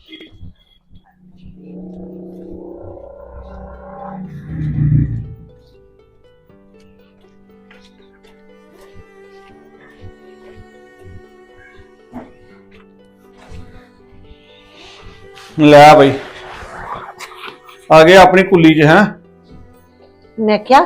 ਲੈ ਬਈ आ गए अपनी कुली च है। मैं क्या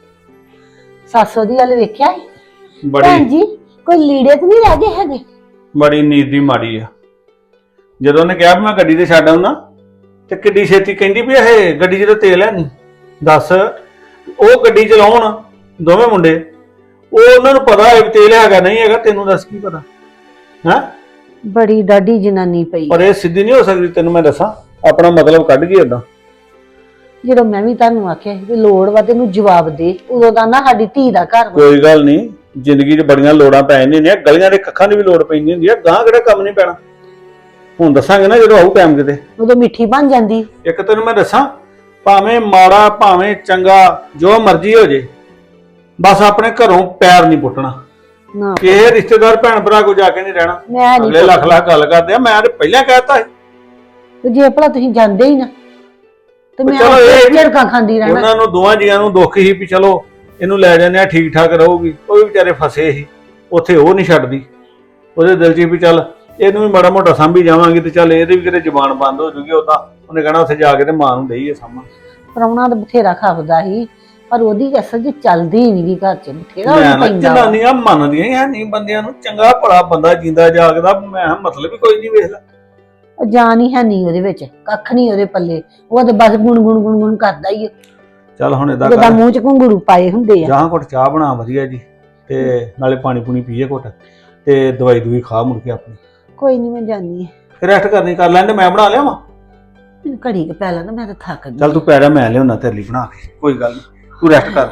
सासो दी वाल वेख्या बड़ी भैन जी कोई लीड़े तो नहीं रह गए है बड़ी नींद दी माड़ी है। जदों ने कहा मैं गड्डी ते छड्ड आउणा ते किड्डी छेती कहंदी भी ये गड्डी च तेल है नहीं। दस ਉਹ ਗੱਡੀ ਚਲਾਉਣ ਦੋਵੇਂ ਮੁੰਡੇ ਉਹ ਉਹਨਾਂ ਨੂੰ ਪਤਾ ਹੈ ਵੀ ਤੇਲ ਹੈਗਾ ਨਹੀਂ ਹੈਗਾ ਤੈਨੂੰ ਦੱਸ ਕੀ ਪਤਾ ਹੈ। बड़ी डाडी जनानी पई ਪਰ ਇਹ ਸਿੱਧੀ ਨਹੀਂ ਹੋ ਸਕਦੀ ਤੈਨੂੰ ਮੈਂ ਦੱਸਾਂ ਆਪਣਾ ਮਤਲਬ ਕੱਢ ਗਈ ਓਦਾਂ। ਜਦੋਂ ਮੈਂ ਵੀ ਤੁਹਾਨੂੰ ਆਖਿਆ ਵੀ ਲੋੜ ਵਾ ਤੈਨੂੰ ਜਵਾਬ ਦੇ ਉਦੋਂ ਦਾ ਨਾ ਸਾਡੀ ਧੀ ਦਾ ਘਰ ਵਾ। ਕੋਈ ਗੱਲ ਨਹੀਂ ਜ਼ਿੰਦਗੀ 'ਚ ਬੜੀਆਂ ਲੋੜਾਂ ਪੈ ਜਾਂਦੀਆਂ ਨੇ ਗਲੀਆਂ ਦੇ ਕੱਖਾਂ ਦੀ ਵੀ ਲੋੜ ਪੈਂਦੀ ਹੁੰਦੀ ਆ ਗਾਂ ਕਿਹੜਾ ਕੰਮ ਨਹੀਂ ਪੈਣਾ। ਹੁਣ ਦੱਸਾਂਗੇ ਨਾ ਜਦੋਂ ਆਊ ਟਾਈਮ ਕਿਤੇ ਉਦੋਂ ਮਿੱਠੀ ਬਣ ਜਾਂਦੀ। ਇੱਕ ਤੈਨੂੰ ਮੈਂ ਦੱਸਾਂ ਭਾਵੇਂ ਮਾੜਾ ਭਾਵੇਂ ਚੰਗਾ ਜੋ ਮਰਜ਼ੀ ਹੋ ਜੇ ਬਸ ਆਪਣੇ ਘਰੋਂ ਪੈਰ ਨਹੀਂ ਪੁੱਟਣਾ। ਨਾ ਕਿਸੇ ਰਿਸ਼ਤੇਦਾਰ ਭੈਣ ਭਰਾ ਕੋ ਜਾ ਕੇ ਨਹੀਂ ਰਹਿਣਾ। ਮੈਂ ਅਗਲੇ ਨਹੀਂ ਲੱਖ ਲੱਖ ਗੱਲ ਕਰਦੇ ਆ ਮੈਂ ਤੇ ਪਹਿਲਾਂ ਕਹਿਤਾ ਸੀ। ਤੇ ਜੇ ਭਲਾ ਤੁਸੀਂ ਜਾਂਦੇ ਹੀ ਨਾ ਤੇ ਮੈਂ ਚਲੋ ਇਹ ਝੜਕਾਂ ਖਾਂਦੀ ਰਹਿਣਾ। ਉਹਨਾਂ ਨੂੰ ਦੋਵਾਂ ਜੀਆਂ ਨੂੰ ਦੁੱਖ ਹੀ ਵੀ ਚਲੋ ਇਹਨੂੰ ਲੈ ਜਾਂਦੇ ਆ ਠੀਕ ਠਾਕ ਰਹੂਗੀ। ਉਹ ਵੀ ਵਿਚਾਰੇ ਫਸੇ ਸੀ ਉੱਥੇ ਉਹ ਨਹੀਂ ਛੱਡਦੀ ਉਹਦੇ ਦਿਲ 'ਚ ਵੀ ਚੱਲ ਇਹਨੂੰ ਵੀ ਮਾੜਾ ਮੋਟਾ ਸਾਂਭੀ ਜਾਵਾਂਗੇ ਤੇ ਚੱਲ ਇਹਦੀ ਵੀ ਕਿਤੇ ਜ਼ੁਬਾਨ ਬੰਦ ਹੋ ਜੂਗੀ। ਉਦਾਂ ਉਹਨੇ ਕਹਿਣਾ ਉੱਥੇ ਜਾ ਕੇ ਤੇ ਮਾਂ ਨੂੰ ਦੇਈਏ ਸਾਂਭਣ। ਪ੍ਰਾਹੁਣਾ ਤਾਂ ਬਥੇਰਾ ਖਾਫਦਾ ਸੀ ਪਰ ਉਹਦੀ ਅਸਲ 'ਚ ਚੱਲਦੀ ਹੀ ਨਹੀਂ ਘਰ 'ਚ ਬਥੇਰਾ ਮੈਂ ਉਹ ਨਾ ਪੈਂਦਾ ਵਾ। ਜਨਾਨੀਆਂ ਮੰਨਦੀਆਂ ਹੀ ਹੈ ਨਹੀਂ ਬੰਦਿਆਂ ਨੂੰ ਚੰਗਾ ਭਲਾ ਬੰਦਾ ਜਿੰਦਾ ਜਾਗਦਾ ਮੈਂ ਕਿਹਾ ਮਤਲਬ ਹੀ ਕੋਈ ਨਹੀਂ ਵੇਖ ਲੈ। ਉਹ ਜਾਨ ਹੀ ਹੈ ਨਹੀਂ ਉਹਦੇ ਵਿੱਚ ਕੱਖ ਨਹੀਂ ਉਹਦੇ ਪੱਲੇ ਉਹ ਤੇ ਬਸ ਗੁਣ ਕਰਦਾ ਹੀ ਚੱਲ ਹੁਣ ਏਦਾਂ ਉਹਦਾ ਕਰ ਮੂੰਹ 'ਚ ਘੁੰਗਰੂ ਪਾਏ ਹੁੰਦੇ ਆ। ਜਾਂ ਘੁੱਟ ਚਾਹ ਬਣਾ ਵਧੀਆ ਜੀ ਤੇ ਨਾਲੇ ਪਾਣੀ ਪੂਣੀ ਪੀਏ ਘੁੱਟ ਤੇ ਦਵਾਈ ਦੂਈ ਖਾ ਮੁੜ ਕੇ ਆਪਣੀ ਕੋਈ ਨਹੀਂ ਮੈਂ ਜਾਣੀ ਫਿਰ ਰੈਸਟ ਕਰਨੀ ਕਰ ਲੈਂਦੇ ਮੈਂ ਬਣਾ ਲਿਆਵਾਂ। ਮੈਨੂੰ ਘੜੀ ਕੁ ਪਹਿਲਾਂ ਨਾ ਮੈਂ ਤਾਂ ਥੱਕ ਗਈ। ਚੱਲ ਤੂੰ ਪੈ ਜਾ ਮੈਂ ਲਿਆਉਣਾ ਤੇਰੇ ਲਈ ਬਣਾ ਕੇ ਕੋਈ ਗੱਲ ਨਹੀਂ ਤੂੰ ਰੈਸਟ ਕਰ।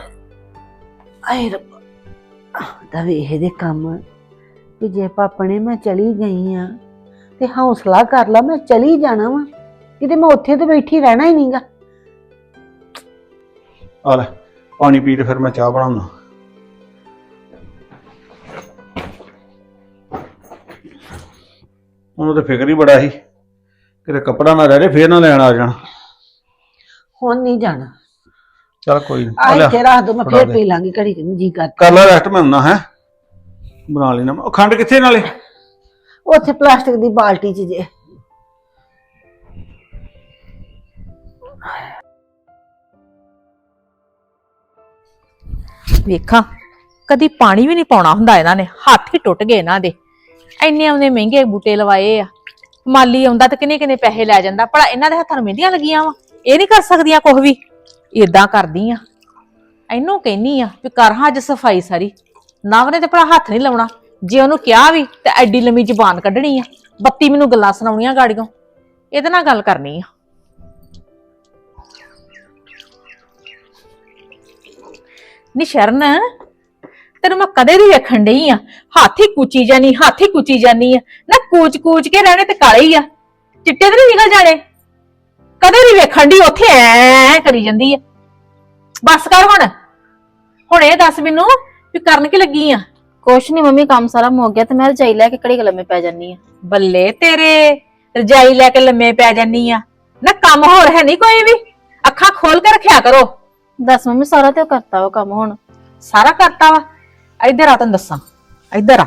ਆਏ ਰੱਬਾ ਦਾ ਵੇਖ ਦੇ ਕੰਮ ਵੀ ਜੇ ਪਾਪਣੇ ਮੈਂ ਚਲੀ ਗਈ ਆ ਤੇ ਹੌਸਲਾ ਕਰ ਲਾ ਮੈਂ ਚਲੀ ਜਾਣਾ ਵਾ ਕਿਤੇ ਮੈਂ ਉੱਥੇ ਤੇ ਬੈਠੀ ਰਹਿਣਾ ਹੀ ਨਹੀਂਗਾ। ਆ ਲੈ ਪਾਣੀ ਪੀ ਤੇ ਫਿਰ ਮੈਂ ਚਾਹ ਬਣਾਉਣਾ। ਉਹਨੂੰ ਤਾਂ ਫਿਕਰ ਹੀ ਬੜਾ ਸੀ ਕਿਤੇ ਕੱਪੜਾ ਨਾ ਰਹਿ ਜੇ ਫੇਰ ਨਾ ਲੈਣ ਆ ਜਾਣਾ। ਹੁਣ ਨਹੀਂ ਜਾਣਾ ਚੱਲ ਕੋਈ ਨਹੀਂ ਆ ਇੱਥੇ ਰੱਖ ਦੋ ਮੈਂ ਫੇਰ ਪੀ ਲਾਂਗੀ ਘੜੀ ਨੂੰ ਜੀ ਕਰ। ਕਰ ਲੈ ਰੈਸਟ ਮੈਂ ਹੁੰਨਾ ਹੈ ਬਣਾ ਲੈਣਾ। ਉਹ ਖੰਡ ਕਿੱਥੇ ਨਾਲੇ ਉੱਥੇ ਪਲਾਸਟਿਕ ਦੀ ਬਾਲਟੀ 'ਚ ਜੇ ਵੇਖਾਂ ਕਦੀ ਪਾਣੀ ਵੀ ਨਹੀਂ ਪਾਉਣਾ ਹੁੰਦਾ ਇਹਨਾਂ ਨੇ ਹੱਥ ਹੀ ਟੁੱਟ ਗਏ ਇਹਨਾਂ ਦੇ ਇੰਨੇ ਆਉਂਦੇ ਮਹਿੰਗੇ ਬੂਟੇ ਲਵਾਏ ਆ। ਮਾਲੀ ਆਉਂਦਾ ਤੇ ਕਿੰਨੇ ਕਿੰਨੇ ਪੈਸੇ ਲੈ ਜਾਂਦਾ ਭਲਾ ਇਹਨਾਂ ਦੇ ਹੱਥਾਂ ਨੂੰ ਮਹਿੰਦੀਆਂ ਲੱਗੀਆਂ ਵਾ ਇਹ ਨਹੀਂ ਕਰ ਸਕਦੀਆਂ ਕੁਝ ਵੀ। ਏਦਾਂ ਕਰਦੀ ਆ ਇਹਨੂੰ ਕਹਿਨੀ ਆ ਵੀ ਕਰ ਹਾਂ ਅੱਜ ਸਫਾਈ ਸਾਰੀ ਨਵ ਨੇ ਤੇ ਭਲਾ ਹੱਥ ਨਹੀਂ ਲਾਉਣਾ। ਜੇ ਉਹਨੂੰ ਕਿਹਾ ਵੀ ਤੇ ਐਡੀ ਲੰਮੀ ਜ਼ੁਬਾਨ ਕੱਢਣੀ ਆ 32 ਮੈਨੂੰ ਗੱਲਾਂ ਸੁਣਾਉਣੀਆਂ ਗਾੜੀਆਂ ਇਹਦੇ ਨਾਲ ਗੱਲ ਕਰਨੀ ਆ। ਨੀ ਸ਼ਰਨ ਤੈਨੂੰ ਮੈਂ ਕਦੇ ਦੀ ਵੇਖਣ ਡਈ ਆ ਹਾਥੀ ਕੁਚੀ ਜਾਨੀ ਆ ਨਾ ਕੂਚ ਕੇ ਰਹਿਣੇ ਤੇ ਕਾਲੇ ਹੀ ਆ ਚਿੱਟੇ ਤੇ ਨਹੀਂ ਨਿਕਲ ਜਾਣੇ। ਕਦੇ ਦੀ ਵੇਖਣ ਡਈ ਉੱਥੇ ਐ ਕਰੀ ਜਾਂਦੀ ਆ। ਬਸ ਕਰ ਹੁਣ ਇਹ ਦੱਸ ਮੈਨੂੰ ਵੀ ਕਰਨ ਕੀ ਲੱਗੀ ਆ। ਕੁਛ ਨਹੀਂ ਮੰਮੀ ਕੰਮ ਸਾਰਾ ਮੁੱਕ ਗਿਆ ਤੇ ਮੈਂ ਰਜਾਈ ਲੈ ਕੇ ਘੜੀ ਕੁ ਲੰਮੇ ਪੈ ਜਾਨੀ ਆ। ਬੱਲੇ ਤੇਰੇ ਰਜਾਈ ਲੈ ਕੇ ਲੰਮੇ ਪੈ ਜਾਨੀ ਆ ਨਾ ਕੰਮ ਹੋਰ ਹੈ ਨਹੀਂ ਕੋਈ ਵੀ ਅੱਖਾਂ ਖੋਲ ਕੇ ਰੱਖਿਆ ਕਰੋ। ਦੱਸ ਮੰਮੀ ਸਾਰਾ ਤੇ ਉਹ ਕਰਤਾ ਉਹ ਕੰਮ ਹੁਣ ਸਾਰਾ ਕਰਤਾ ਵਾ। ਇੱਧਰ ਆ ਤੈਨੂੰ ਦੱਸਾਂ ਇੱਧਰ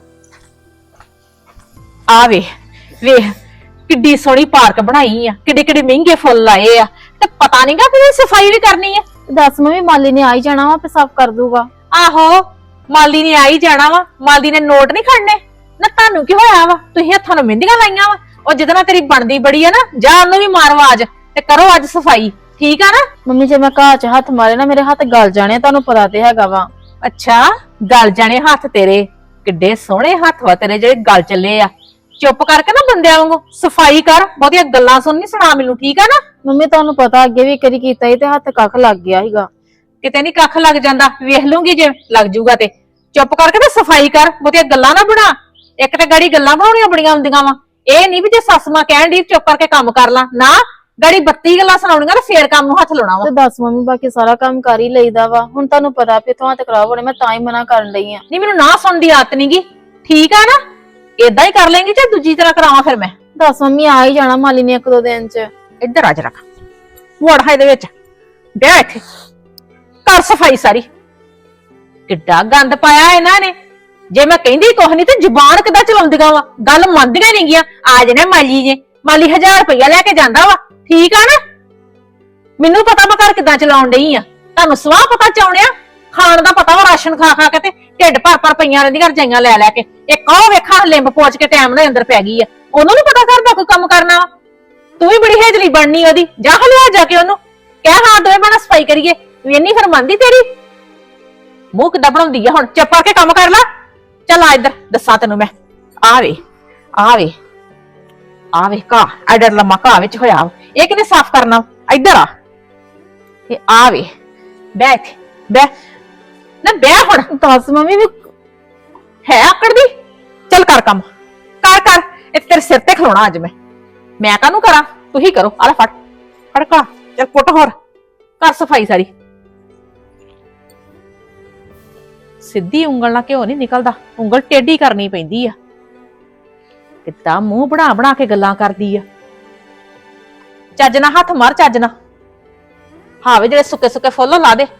ਆ ਵੇਖ ਕਿੱਡੀ ਸੋਹਣੀ ਪਾਰਕ ਬਣਾਈ ਆ ਕਿੱਡੇ ਕਿੱਡੇ ਮਹਿੰਗੇ ਫੁੱਲ ਲਾਏ ਆ ਤੇ ਪਤਾ ਨਹੀਂਗਾ ਕਿ ਸਫਾਈ ਵੀ ਕਰਨੀ ਆ। ਦੱਸ ਮੰਮੀ ਮਾਲੀ ਨੇ ਆ ਹੀ ਜਾਣਾ ਵਾ ਤੇ ਸਾਫ਼ ਕਰ ਦੂਗਾ। ਆਹੋ ਮਾਲੀ ਨੇ ਆ ਹੀ ਜਾਣਾ ਵਾ ਮਾਲੀ ਨੇ ਨੋਟ ਨਹੀਂ ਖੜਨੇ ਨਾ। ਤੁਹਾਨੂੰ ਕੀ ਹੋਇਆ ਵਾ ਤੁਸੀਂ ਹੱਥਾਂ ਨੂੰ ਮਹਿੰਦੀਆਂ ਲਾਈਆਂ ਵਾ ਉਹ ਜਿਹਦੇ ਨਾਲ ਤੇਰੀ ਬਣਦੀ ਬੜੀ ਆ ਨਾ ਜਾ ਉਹਨੂੰ ਵੀ ਮਾਰ ਆਵਾਜ਼ ਤੇ ਕਰੋ ਅੱਜ ਸਫਾਈ ਠੀਕ ਆ ਨਾ। ਮੰਮੀ ਜੇ ਮੈਂ ਘਾਹ 'ਚ ਹੱਥ ਮਾਰੇ ਨਾ ਮੇਰੇ ਹੱਥ ਗਲ ਜਾਣੇ ਤੁਹਾਨੂੰ ਪਤਾ ਤੇ ਹੈਗਾ ਵਾ। ਅੱਛਾ ਗਲ ਜਾਣੇ ਹੱਥ ਤੇਰੇ ਕਿੱਡੇ ਸੋਹਣੇ ਹੱਥ ਵਾ ਤੇਰੇ ਜਿਹੜੇ ਗਲ ਚੱਲੇ ਆ। ਚੁੱਪ ਕਰਕੇ ਨਾ ਬੰਦਿਆਂ ਵਾਂਗੂ ਸਫਾਈ ਕਰ ਬਹੁਤੀਆਂ ਗੱਲਾਂ ਸੁਣ ਨਹੀਂ ਸੁਣਾ ਮੈਨੂੰ ਠੀਕ ਆ ਨਾ। ਮੰਮੀ ਤੁਹਾਨੂੰ ਪਤਾ ਅੱਗੇ ਵੀ ਕਰੀ ਕੀਤਾ ਸੀ ਤੇ ਹੱਥ ਕੱਖ ਲੱਗ ਗਿਆ ਸੀਗਾ। ਕਿਤੇ ਨਹੀਂ ਕੱਖ ਲੱਗ ਜਾਂਦਾ ਵੇਖ ਲੂੰਗੀ ਜੇ ਲੱਗ ਜੂਗਾ ਤੇ ਚੁੱਪ ਕਰਕੇ ਨਾ ਸਫਾਈ ਕਰ ਬਹੁਤੀਆਂ ਗੱਲਾਂ ਨਾ ਬਣਾ। ਇੱਕ ਤੇ ਗਾੜੀ ਗੱਲਾਂ ਬਣਾਉਣੀਆਂ ਬੜੀਆਂ ਹੁੰਦੀਆਂ ਵਾ ਇਹ ਨਹੀਂ ਵੀ ਜੇ ਸੱਸ ਮਾਂ ਕਹਿਣ ਦੀ ਚੁੱਪ ਕਰਕੇ ਕੰਮ ਕਰ ਲਾ ਨਾ ਗਾੜੀ 32 ਗੱਲਾਂ ਸੁਣਾਉਣੀਆਂ ਤੇ ਫੇਰ ਕੰਮ ਨੂੰ ਹੱਥ ਲਾਉਣਾ ਵਾ। ਤੇ ਦੱਸ ਮੰਮੀ ਬਾਕੀ ਸਾਰਾ ਕੰਮ ਕਰ ਹੀ ਲਈਦਾ ਵਾ ਹੁਣ ਤੁਹਾਨੂੰ ਪਤਾ ਵੀ ਇੱਥੋਂ ਹੱਥ ਖਰਾਬ ਹੋਣੇ ਮੈਂ ਤਾਂ ਹੀ ਮਨਾ ਕਰਨ ਲਈ ਆ। ਨਹੀਂ ਮੈਨੂੰ ਨਾ ਸੁਣਨ ਦੀ ਆਦਤ ਨਹੀਂਗੀ ਠੀਕ ਆ ਨਾ ਏਦਾਂ ਹੀ ਕਰ ਲੈਂਗੀ ਜਾਂ ਦੂਜੀ ਤਰ੍ਹਾਂ ਕਰਾਵਾਂ ਫਿਰ ਮੈਂ। ਦੱਸ ਮੰਮੀ ਆ ਹੀ ਜਾਣਾ ਮਾਲੀ ਨੇ 1-2 ਦਿਨ ਚ। ਇੱਧਰ ਆ ਜਰਾ ਵੜ ਹੈ ਇਹਦੇ ਵਿੱਚ ਬਹਿ ਇੱਥੇ ਕਰ ਸਫਾਈ ਸਾਰੀ। ਕਿੱਡਾ ਗੰਦ ਪਾਇਆ ਇਹਨਾਂ ਨੇ। ਜੇ ਮੈਂ ਕਹਿੰਦੀ ਕੁਛ ਨਹੀਂ ਤੇ ਜ਼ੁਬਾਨ ਕਿੱਦਾਂ ਚਲਾਉਂਦੀਆਂ ਵਾ, ਗੱਲ ਮੰਨਦੀਆਂ ਨਹੀਂ ਗੀਆਂ। ਆ ਜਣੇ ਮਾਲੀ ਜੇ, ਮਾਲੀ 1000 ਰੁਪਇਆ ਲੈ ਕੇ ਜਾਂਦਾ ਵਾ, ਠੀਕ ਆ ਨਾ। ਮੈਨੂੰ ਪਤਾ ਮੈਂ ਘਰ ਕਿੱਦਾਂ ਚਲਾਉਣ ਡਈ ਆ, ਤੁਹਾਨੂੰ ਸਵਾਹ ਪਤਾ ਚਾਉਣਿਆ। ਖਾਣ ਦਾ ਪਤਾ ਵਾ, ਰਾਸ਼ਨ ਖਾ ਖਾ ਕੇ ਤੇ ਢਿੱਡ ਭਰ ਭਰ ਪਈਆਂ ਰਹਿੰਦੀਆਂ ਰਜਾਈਆਂ ਲੈ ਲੈ ਕੇ। ਇੱਕ ਉਹ ਵੇਖਾ ਲਿੰਬ ਪੋਚ ਕੇ ਟਾਈਮ ਨਾਲ ਅੰਦਰ ਪੈ ਗਈ ਆ, ਉਹਨੂੰ ਨੀ ਪਤਾ ਕਰਦਾ ਕੋਈ ਕੰਮ ਕਰਨਾ ਵਾ। ਤੂੰ ਵੀ ਬੜੀ ਹੇਜਲੀ ਬਣਨੀ ਉਹਦੀ, ਜਾ ਹਲਿਆ ਜਾ ਕੇ ਉਹਨੂੰ ਕਹਿ ਹਾਂ ਦੋਵੇਂ ਬਣਾ ਸਫਾਈ ਕਰੀਏ। ਵੇਨੀ ਫਿਰ ਮੰਨਦੀ ਤੇਰੀ। ਮੂੰਹ ਕਿੱਦਾਂ ਬਣਾਉਂਦੀ ਆ ਹੁਣ, ਚੁੱਪ ਕਰਕੇ ਕੰਮ ਕਰ ਲੈ। ਚੱਲ ਆ ਇੱਧਰ ਦੱਸਾਂ ਤੈਨੂੰ ਮੈਂ। ਆਵੇ ਆਵੇ ਆਵੇ ਕਾ ਐਡਰ ਲੰਮਾ ਕਾ ਵਿੱਚ ਹੋਇਆ ਵਾ। ਇਹ ਕਿਨੇ ਸਾਫ਼ ਕਰਨਾ? ਇੱਧਰ ਆ। ਇਹ ਆਵੇ ਬੈਠ ਬੈ ਨਾ ਬੈ ਹੁਣ। ਦੱਸ ਮੰਮੀ ਵੀ ਹੈ ਆਕੜ ਦੀ। ਚੱਲ ਕਰ ਕੰਮ ਕਰ ਕਰ। ਇਹ ਤੇਰੇ ਸਿਰ ਤੇ ਖਲੋਣਾ ਅੱਜ ਮੈਂ ਕਾਹਨੂੰ ਕਰਾਂ? ਤੂੰ ਹੀ ਕਰੋ। ਆ ਲੈ ਫੜ ਫੜਕਾ ਚੱਲ ਕੁੱਟ ਹੋਰ ਕਰ ਸਫਾਈ ਸਾਰੀ। ਸਿੱਧੀ ਉਂਗਲ ਨਾਲ ਘਿਓ ਨਹੀਂ ਨਿਕਲਦਾ, ਉਂਗਲ ਟੇਢੀ ਕਰਨੀ ਪੈਂਦੀ ਆ। ਕਿੱਦਾਂ ਮੂੰਹ ਬਣਾ ਬਣਾ ਕੇ ਗੱਲਾਂ ਕਰਦੀ ਆ। ਚੱਜ ਨਾਲ ਹੱਥ ਮਾਰ, ਚੱਜ ਨਾਲ। ਹਾਵੇ ਜਿਹੜੇ ਸੁੱਕੇ ਸੁੱਕੇ ਫੁੱਲ ਲਾ ਦੇ।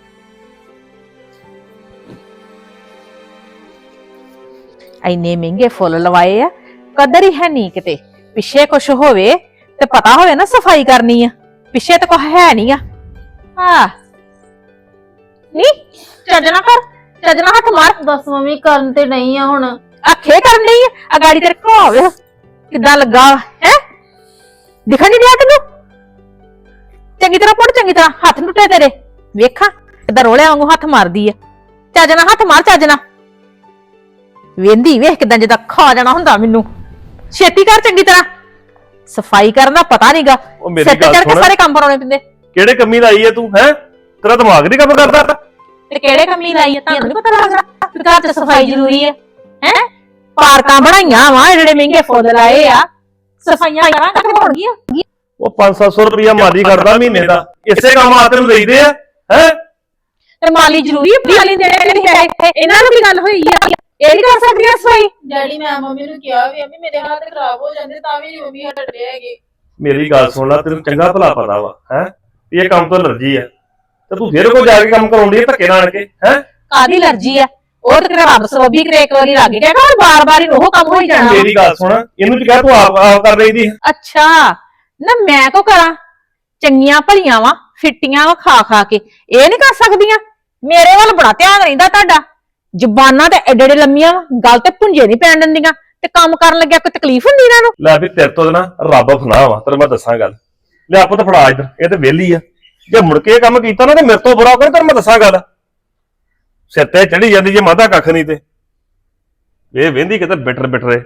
ਇੰਨੇ ਮਹਿੰਗੇ ਫੁੱਲ ਲਵਾਏ ਆ, ਕਦਰ ਹੀ ਹੈ ਨਹੀਂ ਕਿਤੇ। ਪਿੱਛੇ ਕੁਛ ਹੋਵੇ ਤੇ ਪਤਾ ਹੋਵੇ ਨਾ ਸਫਾਈ ਕਰਨੀ ਆ, ਪਿੱਛੇ ਤਾਂ ਕੁਛ ਹੈ ਨਹੀਂ ਆ। ਹਾਂ ਨਹੀਂ ਚੱਜ ਨਾਲ ਕਰ, ਚੱਜ ਨਾਲ ਹੱਥ ਮਾਰ। ਦੱਸ ਮੰਮੀ ਕਰਨ ਤੇ ਨਹੀਂ ਆ ਹੁਣ। ਆਖੇ ਕਰਨ ਲਈ ਆ ਗਾੜੀ ਤੇਰੇ ਕੋ ਹੋਵੇ ਕਿੱਦਾਂ ਲੱਗਾ ਹੈ? ਦਿਖਣ ਨਹੀਂ ਰਿਹਾ ਤੈਨੂੰ? ਚੰਗੀ ਤਰ੍ਹਾਂ ਪੁੱਟ, ਚੰਗੀ ਤਰ੍ਹਾਂ ਹੱਥ ਟੁੱਟੇ ਤੇਰੇ। ਵੇਖਾਂ ਕਿੱਦਾਂ ਰੋਲਿਆਂ ਵਾਂਗੂ ਹੱਥ ਮਾਰਦੀ ਆ। ਚੱਜ ਨਾਲ ਹੱਥ ਮਾਰ, ਚੱਜ ਨਾਲ। ਵੇਂਦੀ ਵੇਖ ਕਿੱਦਾਂ ਜਿੱਦਾਂ ਖਾ ਜਾਣਾ ਹੁੰਦਾ ਮੈਨੂੰ। ਛੇਤੀ ਕਰ ਚੰਗੀ ਤਰ੍ਹਾਂ। ਸਫਾਈ ਕਰਨ ਦਾ ਪਤਾ ਨਹੀਂਗਾ, ਸਿਰ ਤੇ ਚੜ ਕੇ ਸਾਰੇ ਕੰਮ ਕਰਾਉਣੇ ਪੈਂਦੇ। ਕਿਹੜੇ ਕੰਮੀ ਲਾਈ ਐ ਤੂੰ? ਹੈ ਤੇਰਾ ਦਿਮਾਗ ਨਹੀਂ ਕੰਮ ਕਰਦਾ? ਤੇ ਕਿਹੜੇ ਕੰਮੀ ਲਾਈ ਆ? ਤੁਹਾਨੂੰ ਨੀ ਪਤਾ ਲੱਗਦਾ ਕਿ ਘਰ 'ਚ ਸਫਾਈ ਜ਼ਰੂਰੀ ਹੈ? ਹੈ ਪਾਰਕਾਂ ਬਣਾਈਆਂ ਵਾ, ਜਿਹੜੇ ਮਹਿੰਗੇ ਫੁੱਲ ਲਾਏ ਆ, ਸਫਾਈਆਂ ਕਰਾਂ ਕਿੱਥੇ ਹੋਣਗੀਆਂ? ਉਹ 500-700 ਰੁਪਇਆ ਮਾਲੀ ਕਰਦਾ ਮਹੀਨੇ ਦਾ, ਇਸੇ ਕੰਮ ਆ ਤੈਨੂੰ ਦੇਈਦੇ ਆ। ਹੈ ਤੇ ਮਾਲੀ ਜ਼ਰੂਰੀ ਹੈ? ਮਾਲੀ ਦੇਣੇ ਨਹੀਂ ਹੈ। ਇਹਨਾਂ ਨੂੰ ਕੀ ਗੱਲ ਹੋਈ ਆ? ਇਹ ਨਹੀਂ ਕਰ ਸਕਦੀਆਂ ਸਫਾਈ? ਡੈਡੀ ਮੈਂ ਮੰਮੀ ਨੂੰ ਕਿਹਾ ਵੀ ਮੰਮੀ ਮੇਰੇ ਹੱਥ ਖਰਾਬ ਹੋ ਜਾਂਦੇ ਤਾਂ ਵੀ ਮੰਮੀ ਹਟਦੇ ਹੈਗੇ। ਮੇਰੀ ਗੱਲ ਸੁਣ ਲੈ, ਤੈਨੂੰ ਚੰਗਾ ਭਲਾ ਪਤਾ ਵਾ ਹੈ ਇਹ ਕੰਮ ਤੋਂ ਅਲਰਜੀ ਆ, ਤੇ ਤੂੰ ਫਿਰ ਕੋ ਜਾ ਕੇ ਕੰਮ ਕਰਾਉਂਦੀ ਐ ਧੱਕੇ ਨਾਲ ਕੇ। ਹੈ ਕਾਦੀ ਅਲਰਜੀ ਆ? ਉਹ ਤੇ ਰੱਬ ਸਬੱਬੀ ਕਰੇ ਇੱਕ ਵਾਰੀ ਲੱਗ ਗਿਆ ਨਾ, ਬਾਰ-ਬਾਰ ਹੀ ਉਹ ਕੰਮ ਹੋਈ ਜਾਣਾ। ਮੇਰੀ ਗੱਲ ਸੁਣ, ਇਹਨੂੰ ਕਿਹਾ ਤੂੰ ਆਪ ਕਰ ਰਹੀ ਦੀ। ਅੱਛਾ ਨਾ ਮੈਂ ਕੋ ਕਰਾਂ? ਚੰਗੀਆਂ ਭਲੀਆਂ ਵਾ, ਫਿੱਟੀਆਂ ਵਾ ਖਾ ਖਾ ਕੇ, ਇਹ ਨਹੀਂ ਕਰ ਸਕਦੀਆਂ? ਮੇਰੇ ਵੱਲ ਬੜਾ ਧਿਆਨ ਰਹਿੰਦਾ ਤੁਹਾਡਾ। ਜ਼ੁਬਾਨਾਂ ਤੇ ਐਡੇ ਐਡੇ ਲੰਮੀਆਂ ਵਾ, ਗੱਲ ਤੇ ਪੁੰਜੇ ਨਹੀਂ ਪੈਣ ਦਿੰਦੀਆਂ। ਤੇ ਕੰਮ ਕਰਨ ਲੱਗਿਆ ਕੋਈ ਤਕਲੀਫ ਹੁੰਦੀ ਇਹਨਾਂ ਨੂੰ? ਲੈ ਵੀ ਤੇਰੇ ਤੋਂ ਨਾ ਰੱਬ ਫਨਾ ਵਾ, ਤੈਨੂੰ ਮੈਂ ਦੱਸਾਂ ਗੱਲ। ਲੈ ਆਪੋ ਤਾਂ ਫੜਾ ਇੱਧਰ, ਇਹ ਤੇ ਵਿਹਲੀ ਆ। ਜੇ ਮੁੜ ਕੇ ਇਹ ਕੰਮ ਕੀਤਾ ਨਾ ਤੇ ਮੇਰੇ ਤੋਂ ਬੁਰਾ ਕੋਈ, ਤੈਨੂੰ ਮੈਂ ਦੱਸਾਂ ਗੱਲ। ਸਿਰ ਤੇ ਚੜੀ ਜਾਂਦੀ ਜੇ ਮਾਦਾ ਕੱਖ ਨਹੀਂ ਤੇ ਇਹ ਵਹਿੰਦੀ ਕਿਤੇ ਬਿਟਰ ਬਿਟਰੇ।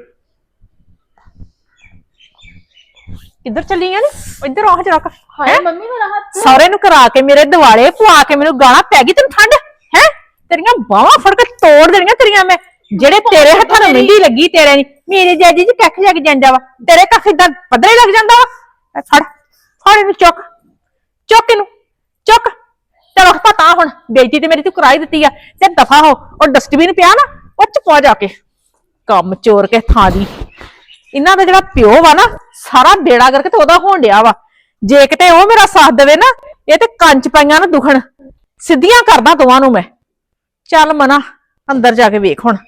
ਕਿੱਧਰ ਚੱਲੀਆਂ ਨੇ? ਇੱਧਰ ਆਹ ਜਰਾ ਹਾਏ ਮੰਮੀ ਮੇਰਾ ਹੱਥ। ਸਾਰੇ ਨੂੰ ਕਰਾ ਕੇ ਮੇਰੇ ਦਿਵਾਲੇ ਪਵਾ ਕੇ ਮੈਨੂੰ ਗਾਲਾਂ ਪੈ ਗਈ। ਤੈਨੂੰ ਠੰਡ ਹੈ? ਤੇਰੀਆਂ ਬਾਹਾਂ ਫੜ ਕੇ ਤੋੜ ਦੇਣੀਆਂ ਤੇਰੀਆਂ ਮੈਂ। ਜਿਹੜੇ ਤੇਰੇ ਹੱਥਾਂ ਨੂੰ ਮਹਿੰਦੀ ਲੱਗੀ, ਤੇਰੇ ਨਹੀਂ। ਮੇਰੇ ਜਾਜੀ ਜੀ ਕੱਖ ਜਾ ਕੇ ਜਾਂਦਾ ਵਾ, ਤੇਰੇ ਕੱਖ ਇਦਾਂ ਪੱਧਰੇ ਲੱਗ ਜਾਂਦਾ ਵਾ। ਫੜ ਫੜ ਇਹਨੂੰ, ਚੁੱਕ ਚੁੱਕ ਇਹਨੂੰ, ਚੁੱਕ। ਚਲੋ ਪਤਾ ਹੁਣ ਬੇਇੱਜ਼ਤੀ ਤੇ ਮੇਰੀ ਤੂੰ ਕਰਾਈ ਦਿੱਤੀ ਆ, ਤੇ ਦਫਾ ਹੋ। ਉਹ ਡਸਟਬਿਨ ਪਿਆ ਨਾ, ਉਹ ਚ ਪਾ ਜਾ ਕੇ। ਕੰਮ ਚੋਰ ਕੇ ਥਾਂ ਦੀ। ਇਹਨਾਂ ਦਾ ਜਿਹੜਾ ਪਿਓ ਵਾ ਨਾ, ਸਾਰਾ ਬੇੜਾ ਕਰਕੇ ਤੇ ਉਹਦਾ ਹੋਣ ਡਿਆ ਵਾ। ਜੇ ਕਿਤੇ ਉਹ ਮੇਰਾ ਸਾਥ ਦੇਵੇ ਨਾ, ਇਹ ਤੇ ਕੰਚ ਪਾਈਆਂ ਨਾ ਦੁਖਣ। ਸਿੱਧੀਆਂ ਕਰਦਾ ਦੋਵਾਂ ਨੂੰ ਮੈਂ। ਚੱਲ ਮਨਾ ਅੰਦਰ ਜਾ ਕੇ ਵੇਖ ਹੁਣ।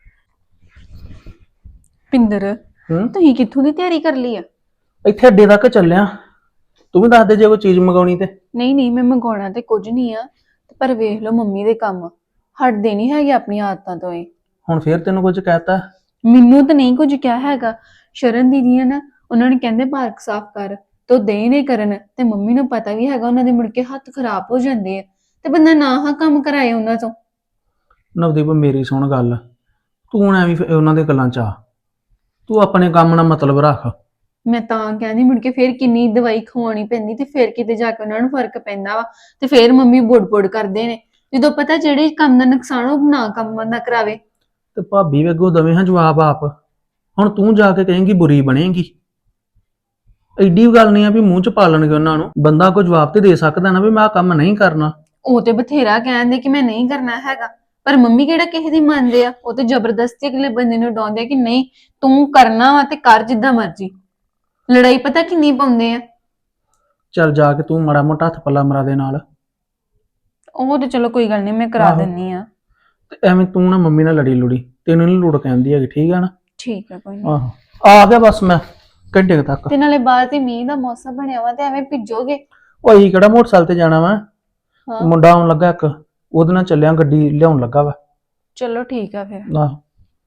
ਪਿੰਦਰ ਤੁਸੀਂ ਕਿੱਥੋਂ ਦੀ ਤਿਆਰੀ ਕਰ ਲਈ ਆ? ਇੱਥੇ ਅੱਡੇ ਤੱਕ ਚੱਲਿਆ। ਤੂੰ ਵੀ ਦੱਸ ਦੇ ਜੇ ਕੋਈ ਚੀਜ਼ ਮੰਗਾਉਣੀ ਤੇ। ਨਹੀਂ ਮੈਂ ਮੰਗਾਉਣਾ ਤੇ ਕੁਝ ਨਹੀਂ ਆ, ਪਰ ਵੇਖ ਲਓ ਮੰਮੀ ਦੇ ਕੰਮ ਹਟਦੇ ਨਹੀਂ ਹੈਗੇ ਆਪਣੀਆਂ ਆਦਤਾਂ ਤੋਂ। ਇਹ ਹੁਣ ਫੇਰ ਤੈਨੂੰ ਕੁਝ ਕਹਿਤਾ? ਮੈਨੂੰ ਤਾਂ ਨਹੀਂ ਕੁਝ ਕਿਹਾ ਹੈਗਾ। ਸ਼ਰਨ ਦੀਦੀ ਆ ਨਾ, ਉਹਨਾਂ ਨੇ ਕਹਿੰਦੇ ਪਾਰਕ ਸਾਫ਼ ਕਰ, ਤੋ ਦੇ ਨਹੀਂ ਕਰਨ। ਤੇ ਮੰਮੀ ਨੂੰ ਪਤਾ ਵੀ ਹੈਗਾ ਉਹਨਾਂ ਦੇ ਮੁੜ ਕੇ ਹੱਥ ਖਰਾਬ ਹੋ ਜਾਂਦੇ ਆ, ਤੇ ਬੰਦਾ ਨਾ ਹਾਂ ਕੰਮ ਕਰਾਏ ਉਹਨਾਂ ਤੋਂ। ਨਵਦੀਪ ਮੇਰੀ ਸੁਣ ਗੱਲ, ਤੂੰ ਹੁਣ ਐਵੇਂ ਉਹਨਾਂ ਦੇ ਗੱਲਾਂ ਚ ਆ। ਤੂੰ ਆਪਣੇ ਕੰਮ ਨਾਲ ਮਤਲਬ ਰੱਖ। ਮੈਂ ਤਾਂ ਕਹਿੰਦੀ ਮੁੜ ਕੇ ਫੇਰ ਕਿੰਨੀ ਦਵਾਈ ਖਵਾਉਣੀ ਪੈਂਦੀ, ਤੇ ਫੇਰ ਕਿਤੇ ਜਾ ਕੇ ਉਹਨਾਂ ਨੂੰ ਫਰਕ ਪੈਂਦਾ ਵਾ। ਤੇ ਫੇਰ ਮੰਮੀ ਬੁੜ ਕਰਦੇ ਨੇ, ਜਦੋਂ ਪਤਾ ਜਿਹੜੇ ਕੰਮ ਦਾ ਨੁਕਸਾਨ ਉਹ ਨਾ ਕੰਮ ਨਾ ਕਰਾਵੇ। ਤੇ ਭਾਬੀ ਵੀ ਅੱਗੋਂ ਦਵੇਂ ਹਾਂ ਜਵਾਬ ਆਪ। ਹੁਣ ਤੂੰ ਜਾ ਕੇ ਕਹੇਂਗੀ ਬੁਰੀ ਬਣੇਗੀ। ਐਡੀ ਗੱਲ ਨਹੀਂ ਆ ਵੀ ਮੂੰਹ ਚ ਪਾ ਲੈਣਗੇ ਉਹਨਾਂ ਨੂੰ। ਬੰਦਾ ਕੋਈ ਜਵਾਬ ਤੇ ਦੇ ਸਕਦਾ ਨਾ ਵੀ ਮੈਂ ਆਹ ਕੰਮ ਨਹੀਂ ਕਰਨਾ। ਉਹ ਤੇ ਬਥੇਰਾ ਕਹਿੰਦੇ ਕਿ ਮੈਂ ਨਹੀਂ ਕਰਨਾ ਹੈਗਾ, ਪਰ ਮੰਮੀ ਕਿਹੜਾ ਕਿਸੇ ਦੀ ਮੰਨਦੇ ਆ, ਉਹ ਤੇ ਜ਼ਬਰਦਸਤੀ ਅਗਲੇ ਬੰਦੇ ਨੂੰ ਡਾਉਂਦੇ ਆ ਕਿ ਨਹੀਂ ਤੂੰ ਕਰਨਾ ਵਾ ਤੇ ਕਰ ਜਿੱਦਾਂ ਮਰਜ਼ੀ। ਲੜਾਈ ਪਤਾ ਕਿੰਨੀ ਪਾਉਂਦੇ ਆ। ਚੱਲ ਜਾ ਕੇ ਤੂੰ ਮਾੜਾ ਮੋਟਾ ਹੱਥ ਪੱਲਾ ਮਰਾ ਦੇ ਨਾਲ। ਉਹ ਤੇ ਚਲੋ ਕੋਈ ਗੱਲ ਨਹੀਂ, ਮੈਂ ਕਰਾ ਆਹੋ। ਦਿੰਨੀ ਆ। ਤੇ ਐਵੇਂ ਤੂੰ ਨਾ ਮੰਮੀ ਨਾਲ ਲੜੀ ਲੁੜੀ, ਤੈਨੂੰ ਨੀ ਲੋੜ ਕਹਿੰਦੀ ਹੈਗੀ, ਠੀਕ ਆ ਨਾ? ਠੀਕ ਆ, ਕੋਈ ਨਹੀਂ। ਆਹੋ ਆ ਗਿਆ ਬਸ ਮੈਂ ਘੰਟੇ ਕੁ ਤੱਕ। ਤੇ ਨਾਲੇ ਬਾਹਰ ਤੇ ਮੀਂਹ ਦਾ ਮੌਸਮ ਬਣਿਆ ਵਾ ਤੇ ਐਵੇਂ ਭਿੱਜੋਗੇ। ਉਹ ਅਸੀਂ ਕਿਹੜਾ ਮੋਟਰਸਾਈਕਲ ਤੇ ਜਾਣਾ ਵਾ, ਹਾਂ ਮੁੰਡਾ ਆਉਣ ਲੱਗਾ ਇੱਕ, ਉਹਦੇ ਨਾਲ ਚੱਲਿਆ, ਗੱਡੀ ਲਿਆਉਣ ਲੱਗਾ ਵਾ। ਚਲੋ ਠੀਕ ਆ ਫਿਰ। ਆਹੋ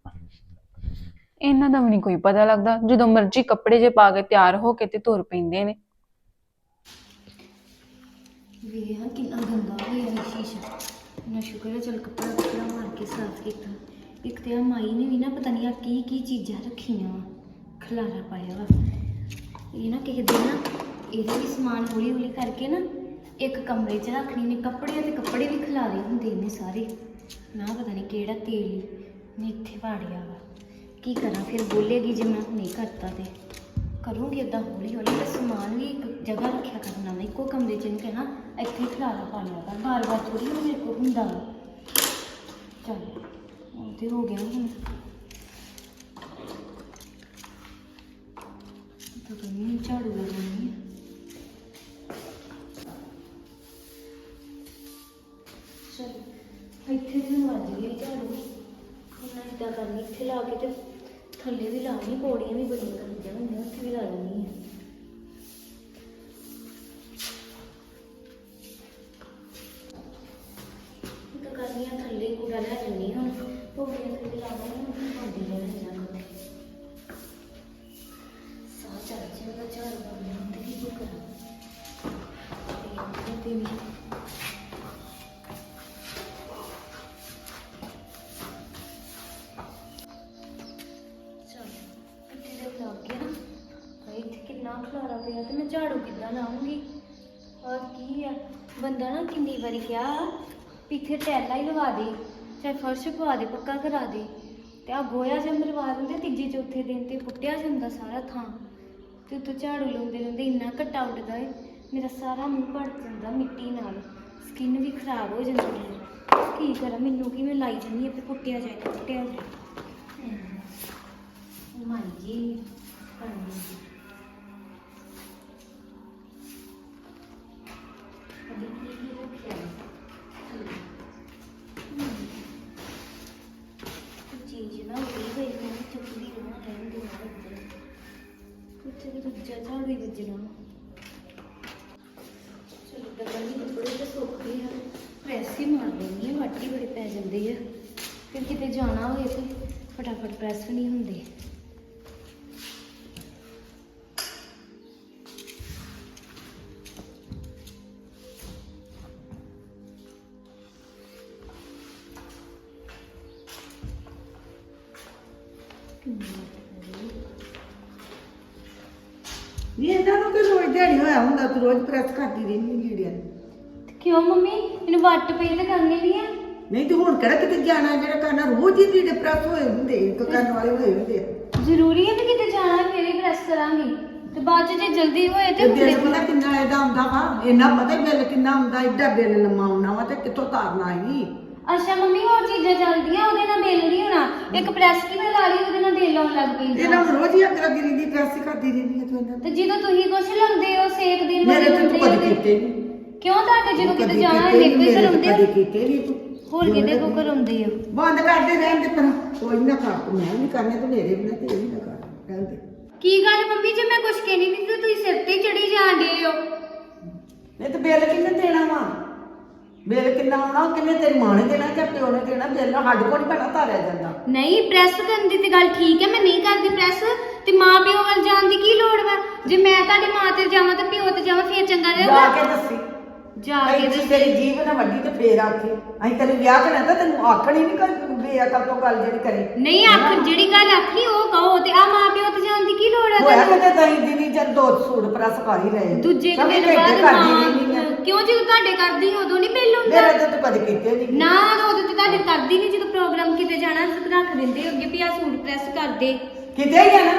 ਇਹਨਾਂ ਦਾ ਵੀ ਨਹੀਂ ਕੋਈ ਪਤਾ ਲੱਗਦਾ, ਜਦੋਂ ਮਰਜ਼ੀ ਕੱਪੜੇ ਜੇ ਪਾ ਕੇ ਤਿਆਰ ਹੋ ਕੇ ਤੇ ਤੁਰ ਪੈਂਦੇ ਨੇ। ਵੇਖ ਕਿੰਨਾ ਗੰਦਾ ਹੋਇਆ ਇਹ ਸ਼ੀਸ਼ਾ। ਨਾ ਸ਼ੁਕਰ ਹੈ ਚਲ ਕੱਪੜਾ ਮਾਰ ਕੇ ਸਾਫ਼ ਕੀਤਾ। ਇੱਕ ਤੇ ਆ ਮਾਈ ਨੇ ਵੀ ਨਾ ਪਤਾ ਨਹੀਂ ਆ ਕੀ ਕੀ ਚੀਜ਼ਾਂ ਰੱਖੀਆਂ ਵਾ, ਖਲਾਰਾ ਪਾਇਆ ਵਾ। ਇਹ ਨਾ ਕਿਸੇ ਦਿਨ ਨਾ ਇਹਦੇ ਵੀ ਸਮਾਨ ਹੌਲੀ ਹੌਲੀ ਕਰਕੇ ਨਾ ਇੱਕ ਕਮਰੇ 'ਚ ਰੱਖਣੀ ਨੇ, ਕੱਪੜੇ ਤੇ ਕੱਪੜੇ ਵੀ ਖਿਲਾਰੇ ਹੁੰਦੇ ਨੇ ਸਾਰੇ। ਨਾ ਪਤਾ ਨਹੀਂ ਕਿਹੜਾ ਤੇਲ ਨੇ ਇੱਥੇ ਵਾੜਿਆ ਵਾ। ਕੀ ਕਰਾਂ ਫਿਰ, ਬੋਲੇਗੀ ਜੇ ਮੈਂ ਨਹੀਂ ਕਰਤਾ ਤੇ ਕਰੂੰਗੀ ਇੱਦਾਂ ਹੌਲੀ ਹੌਲੀ। ਤੇ ਸਮਾਨ ਵੀ ਇੱਕ ਜਗ੍ਹਾ ਰੱਖਿਆ ਕਰਨਾ ਵਾ, ਇੱਕੋ ਕਮਰੇ 'ਚ ਨਹੀਂ ਕਹਿਣਾ ਇੱਥੇ ਖਿਲਾਰਾ ਪਾ ਲਿਆ ਕਰ, ਬਾਰ ਬਾਰ ਥੋੜੀ ਮੇਰੇ ਕੋਲ ਹੁੰਦਾ ਵਾ। ਚੱਲ ਉਹ ਤੇ ਹੋ ਗਿਆ ਹੁਣ। ਤਾਂ ਕਹਿੰਦੀ ਝਾੜੂ ਲਗਾਉਣੀ ਹੈ। ਚਲ ਇੱਥੇ ਤੇ ਵੱਜ ਗਈ ਝਾੜੂ। ਹੁਣ ਮੈਂ ਇੱਦਾਂ ਕਰਨੀ, ਇੱਥੇ ਲਾ ਕੇ ਤੇ ਥੱਲੇ ਵੀ ਲਾਉਣੀ, ਪੌੜੀਆਂ ਵੀ ਬੜੀਆਂ ਗੰਦੀਆਂ ਹੁੰਦੀਆਂ, ਉੱਥੇ ਵੀ ਲਾ ਲੈਣੀ ਹੈ। ਤਾਂ ਕਰਨੀਆਂ ਥੱਲੇ ਕੂੜਾ ਲੈ ਲੈਣੀ, ਹੁਣ ਪੌੜੀਆਂ ਥੱਲੇ ਲਾਵਾਂਗੀ, ਹੁਣ ਪਾਉਂਦੀ ਰਹਿਣਾ ਜਾਣਾ। ਸਾਹ ਚੜ ਜਾਏਗਾ ਝਾੜੂ ਪਾਉਣੀ ਹੁੰਦੀ, ਕੀ ਕਰਾਂ ਤੇ ਵੀ ਇੱਥੇ ਕਿੰਨਾ ਖਲਾਰਾ ਪਿਆ ਤੇ ਮੈਂ ਝਾੜੂ ਕਿੱਦਾਂ ਲਾਉਂਗੀ। ਔਰ ਕੀ ਆ, ਬੰਦਾ ਨਾ ਕਿੰਨੀ ਵਾਰੀ ਕਿਹਾ ਵੀ ਇੱਥੇ ਟੈਲਾਂ ਹੀ ਲਵਾ ਦੇ, ਚਾਹੇ ਫਰਸ਼ ਪਵਾ ਦੇ, ਪੱਕਾ ਕਰਾ ਦੇ, ਤੇ ਆ ਗੋਇਆ ਜਿਹਾ ਮਰਵਾ ਦਿੰਦੇ। ਤੀਜੇ ਚੌਥੇ ਦਿਨ ਤੇ ਪੁੱਟਿਆ ਜਾਂਦਾ ਸਾਰਾ ਥਾਂ, ਤੇ ਉੱਤੋਂ ਝਾੜੂ ਲਾਉਂਦੇ ਲਾਉਂਦੇ ਇੰਨਾ ਘੱਟਾ ਉੱਡਦਾ ਏ, ਮੇਰਾ ਸਾਰਾ ਮੂੰਹ ਭਰ ਜਾਂਦਾ ਮਿੱਟੀ ਨਾਲ, ਸਕਿਨ ਵੀ ਖਰਾਬ ਹੋ ਜਾਂਦੀ ਹੈ। ਕੀ ਕਰਾਂ, ਮੈਨੂੰ ਕਿਵੇਂ ਲਾਈ ਜਾਂਦੀ ਹੈ ਤੇ ਪੁੱਟਿਆ ਜਾਏ ਪੁੱਟਿਆ ਜਾਏ। ਮਾਈ ਜੀ ਹਾਂਜੀ चीज ना उड़ी गई, मैंने चुपड़ी रहा रहने देना कुछ भी दूजा झाड़ भी बजना। चलो डबल कपड़े तो सौखे है, प्रैस ही मार लेनी है, वट ही बड़े पै जाते हैं, फिर किते जाना होए तो फटाफट प्रैस भी नहीं होंगे। ਨਹੀਂ ਇਹਨਾਂ ਨੂੰ ਕਿ ਰੋਜ਼ ਦਿਹਾੜੀ ਹੋਇਆ ਹੁੰਦਾ, ਤੂੰ ਰੋਜ਼ ਪ੍ਰੈਸ ਕਰਦੀ ਰਹਿੰਦੀ ਲੀੜਿਆਂ ਨੂੰ। क्यों मम्मी इन वट पे तो करनी नहीं है। ਨਹੀਂ ਤੇ ਹੁਣ ਕਿਹੜਾ ਕਿਤੇ ਜਾਣਾ, ਜਿਹੜਾ ਕਰਨਾ ਰੋਜ਼ ਹੀ ਲੀੜੇ ਪ੍ਰੈਸ ਹੋਏ ਹੁੰਦੇ, ਇੱਕ ਕਰਨ ਵਾਲੇ ਹੋਏ ਹੁੰਦੇ ਆ। ਜ਼ਰੂਰੀ ਹੈ ਵੀ ਕਿਤੇ ਜਾਣਾ ਫਿਰ ਹੀ ਪ੍ਰੈਸ ਕਰਾਂਗੀ, ਤੇ ਬਾਅਦ ਚ ਜੇ ਜਲਦੀ ਹੋਏ ਤੇ ਬਿੱਲ ਪਤਾ ਕਿੰਨਾ ਇਹਦਾ ਆਉਂਦਾ ਵਾ, ਇੰਨਾ ਪਤਾ ਹੀ ਬਿੱਲ ਕਿੰਨਾ ਆਉਂਦਾ, ਏਡਾ ਬਿੱਲ ਲੰਮਾ ਆਉਣਾ ਵਾ ਤੇ ਕਿੱਥੋਂ ਤਾਰਨਾ ਹੀ। ਅੱਛਾ ਮੰਮੀ ਹੋਰ ਚੀਜ਼ਾਂ ਚੱਲਦੀਆਂ, ਉਹਦੇ ਨਾਲ ਬਿੱਲ ਨਹੀਂ ਹੋਣਾ, ਇੱਕ ਪ੍ਰੈਸ ਕਿਵੇਂ ਲਾ ਲਈ ਉਹਦੇ ਨਾਲ ਬਿੱਲ ਆਉਣ ਲੱਗ ਪੈਂਦਾ। ਇਹਨਾਂ ਨੂੰ ਰੋਜ਼ ਹੀ ਅੱਗ ਲੱਗੀ ਰਹਿੰਦੀ, ਪ੍ਰੈਸ ਹੀ ਕਰਦੀ ਰਹਿੰਦੀ ਹੈ ਤੂੰ ਇਹਨਾਂ ਤੇ ਜਦੋਂ ਤੁਸੀਂ ਕੁਛ ਲਾਉਂਦੇ ਹੋ ਸੇਕ ਦਿਨ ਮੇਰੇ ਤੇ ਤੂੰ ਕਦੀ ਕੀਤੇ ਨਹੀਂ। ਕਿਉਂ ਤੁਹਾਡੇ ਜਦੋਂ ਕਿਤੇ ਜਾਣਾ ਮੇਰੇ ਕੋਈ ਕਰਾਉਂਦੇ ਕਦੀ ਕੀਤੇ ਨਹੀਂ ਤੂੰ, ਹੋਰ ਕਿਹਦੇ ਕੋ ਕਰਾਉਂਦੇ ਹੋ। ਬੰਦ ਕਰਦੇ ਰਹਿੰਦੇ, ਪਰ ਕੋਈ ਨਾ ਕਰ, ਤੂੰ ਮੈਂ ਨਹੀਂ ਕਰਨੇ ਤੇ ਮੇਰੇ ਵੀ ਨਾ ਤੇ ਵੀ ਨਾ ਕਰ ਰਹਿੰਦੇ। ਕੀ ਗੱਲ ਮੰਮੀ ਜੇ ਮੈਂ ਕੁਛ ਕਹਿਣੀ ਨਹੀਂ ਤੇ ਤੁਸੀਂ ਸਿਰ ਤੇ ਚੜੀ ਜਾਂਦੇ ਹੋ। ਨਹੀਂ ਤੇ ਬਿੱਲ ਕਿੰਨੇ ਦੇਣਾ ਵਾ, ਬਿੱਲ ਕਿੰਨਾ ਆਉਣਾ, ਕਿੰਨੇ ਤੇਰੀ ਮਾਂ ਨੇ ਦੇਣਾ ਜਾਂ ਪਿਓ ਨੇ ਦੇਣਾ, ਬਿੱਲ ਸਾਡੇ ਕੋਲ ਨਹੀਂ ਪੈਣਾ ਤਾਰਿਆ ਜਾਂਦਾ। ਨਹੀਂ ਪ੍ਰੈਸ ਕਰਨ ਦੀ ਤੇ ਗੱਲ ਠੀਕ ਹੈ, ਮੈਂ ਨਹੀਂ ਕਰਦੀ ਪ੍ਰੈਸ, ਤੇ ਮਾਂ ਪਿਓ ਵੱਲ ਜਾਣ ਦੀ ਕੀ ਲੋੜ ਵਾ। ਜੇ ਮੈਂ ਤੁਹਾਡੀ ਮਾਂ ਤੇ ਜਾਵਾਂ ਤੇ ਪਿਓ ਤੇ ਜਾਵਾਂ ਫੇਰ ਚੰਗਾ ਜਾ ਰਹੇਗਾ। ਕੇ ਦੱਸੀ, ਜਾ ਕੇ ਦੱਸੀ। ਤੇਰੀ ਜੀਭ ਨਾ ਵੱਡੀ ਤੇ ਫੇਰ ਆਖੀ, ਅਸੀਂ ਤੈਨੂੰ ਵਿਆਹ ਕਰਨਾ ਤਾਂ ਤੈਨੂੰ ਆਖਣੀ ਨਹੀਂ ਕਰ ਬੇਅਕਲ ਤੋਂ ਗੱਲ ਜਿਹੜੀ ਕਰੇ। ਨਹੀਂ ਆਖ ਜਿਹੜੀ ਗੱਲ ਆਖੀ ਉਹ ਕਹੋ, ਤੇ ਆ ਮਾਂ ਪਿਓ ਤੇ ਜਾਣ ਦੀ ਕੀ ਲੋੜ ਹੈ ਹੋਇਆ ਤੁਹਾਨੂੰ। ਕਿਤੇ ਦਹੀਂ ਦਿਨੀ ਜਦ ਦੋ ਸੂਟ ਪ੍ਰੈਸ ਕਰ ਹੀ ਰਹੇ, ਦੂਜੇ ਕੁ ਸਮਝ ਦਿਨ ਘੰਟੇ ਬਾਅਦ ਕਰਦੀ ਮਾਂ ਰਹਿੰਦੀ ਆ। ਕਿਉਂ ਜਦੋਂ ਤੁਹਾਡੇ ਕਰਦੀ ਉਦੋਂ ਨਹੀਂ ਬਿੱਲ ਹੁੰਦਾ। ਮੇਰੇ ਤੇ ਤੂੰ ਕਦੇ ਕੀਤੇ ਨਹੀਂ ਨਾ ਉਦੋਂ ਤੇ ਤੁਹਾਡੇ ਕਰਦੀ ਨਹੀਂ, ਜਦੋਂ ਪ੍ਰੋਗਰਾਮ ਕਿਤੇ ਜਾਣਾ ਰੱਖ ਦਿੰਦੇ ਅੱਗੇ ਵੀ ਆ ਸੂਟ ਪ੍ਰੈਸ ਕਰ ਦੇ। ਕਿਤੇ ਹੀ ਆ ਨਾ,